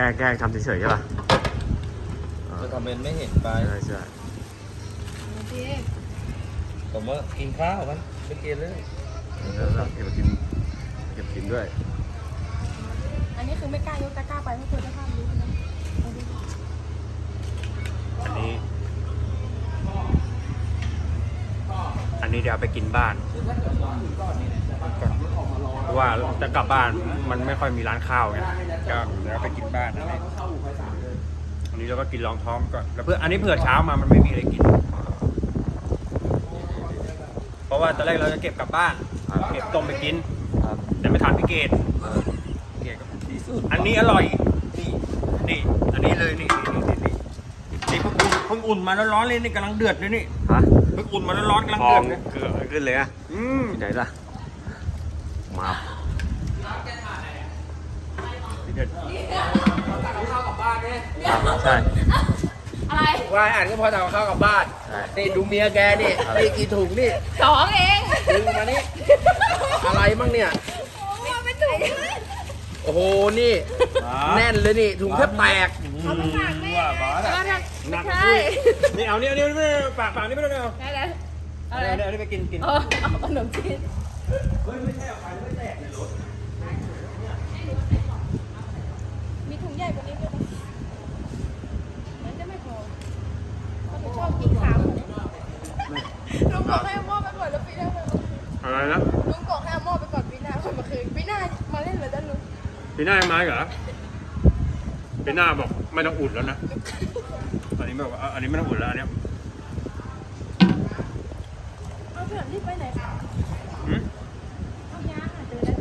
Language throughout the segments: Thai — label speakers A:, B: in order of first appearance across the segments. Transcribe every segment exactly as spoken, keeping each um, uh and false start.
A: ล้แกล้ทำเฉยๆใช่ป่ะ
B: จะทำเป็นไม่เห็นไป
A: ใช่ใช่
B: ผมว่ากินข้าวมันไม่กินเลย
A: แล้วเก็บกินเก็บกินด้วย
C: อันนี้คือไม่กล้ายกตะกร้าไปเพราะกลัวจะพลาดรู้นะ
A: อันนี้อันนี้เดี๋ยวไปกินบ้านเพราะว่าจะกลับบ้านมันไม่ค่อยมีร้านข้าวไงก็เดี๋ยวไปกินบ้านอันนี้อันนี้เราก็กินรองท้องก่อนแล้วเพื่ออันนี้เผื่อเช้ามามันไม่มีอะไรกินเพราะว่าตอนแรกเราจะเก็บกลับบ้านเก็บต้มไปกินแต่ไม่ทานพี่เกดอันนี้อร่อยนี่นี่อันนี้เลยนี่นี่นี่นี่นี่เพิ่งอุ่นเพิ่งอุ่นมาแล้วร้อนเลยนี่กำลังเดือดเลยนี่ฮะเพิ่งอุ่นมาแล้วร้อนกำลังเดือดเลยเกลือขึ้นเลยอ่ะอืมไหนล่ะมาเดือดข้าวกับบ้านเนี่ยใช่
C: อะไร
B: ว่าอ่านก็พอทำข้าวกับบ้านนี่ดูเมียแกนี่นี่กี่ถุงนี่
C: สองเอง
B: ดึงมานี่อะไรมั่งเนี่ย
C: ไม่ถุง
B: โอ้โหนี่แน่นเลยนี่ถุงแทบแตก
C: เขาไม่ฝากแม่หนักใช่
A: นี่เอาเนี่ยเนี่ยไม่ปากปากนี่ไม่ต้องเอา
C: ได้เลย
A: อะไรเนี่ยเอาไปกินกิน
C: เอาขนมจีน
A: เฮ้ยไม่ใช่เอาไปไม่แตกในรถ
C: มีถุงใหญ่กว่านี้ด้วยมันจะไม่พอเขาชอบกินขาหมูลุงบอกให้เอาหม้อไปก่อนแล้วปีหน้า
A: อะไรนะ
C: ลุงบอกให้เอาหม้อไปก่อนปีหน้าคนมาคืนปีหน้ามาเล่นเลยด้านลุง
A: ปีหน้ายังมาเหรอปีหน้าบอกไม่ต้องอุ่นแล้วนะอันนี้บอกว่าอันนี้ไม่ต้องอุ่นแล้วอันนี้
C: เอาเพื่อนรีบไปไหนคะเอายาเจอแล้ว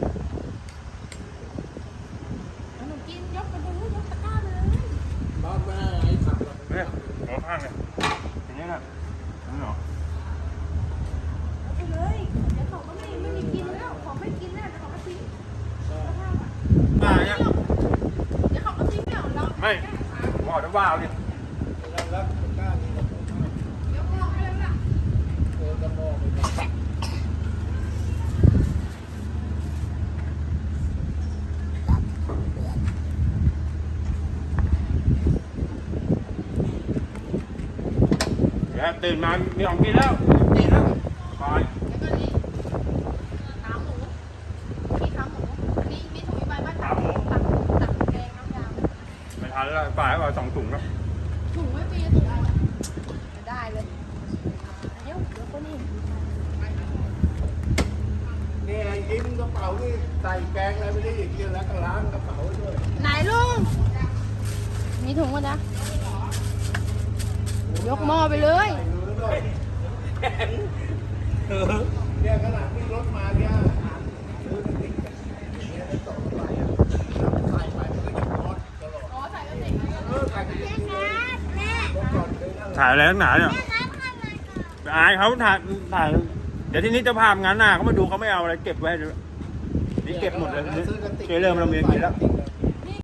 C: เอาหนูกินยกไปเลยยกตะกร้าเลย
B: บ้านแม่ไอ้ขับ
A: เนี่ยหัวข้างเนี่ยอย่างนี้นะนี่หรอ
C: เอาไปเลยเดี๋ยวของก็ไม่ไม่มีกินแล้วของไม่กินแล้วของก็ทิ้ง
A: มาเนี่ย
C: เดี๋ยวของก็ทิ้งแล้วเรา
A: ไม่หมอจะว่าเอาดิตื่นมามีของกินแล้วกินแล้วคอย
C: แล้วก็นี่ขาหมูมีขาหมูมีมีถุงใบไม้ขาหมูตักตักแกงน้ำยำ
A: ไม่ทันแล้วฝ่ายเอาสองถุงแล้ว
C: ถุงไม่มีถุงอะไรได้เลยเดี๋ยวเดี๋ยวก็นี่
B: นี่ยิ้มกระเป๋านี่ใส่แกงอะไรไม่ได้อีกเยอะแล้วก็ล้างกระเป๋าด้วย
C: ไหนลุงมีถุงมั้ยจ๊ะยกหม้อไปเลย
B: เนี่ยขนาดที่รถมาเนี่ย
A: ถ่ายอะไรนักหนาเนี่ยอายเขาถ่ายถ่ายเดี๋ยวที่นี้จะพามงานหน้าเขามาดูเขาไม่เอาอะไรเก็บไว้นี่เก็บหมดเลยนี่เริ่มเราเมียกินแล้ว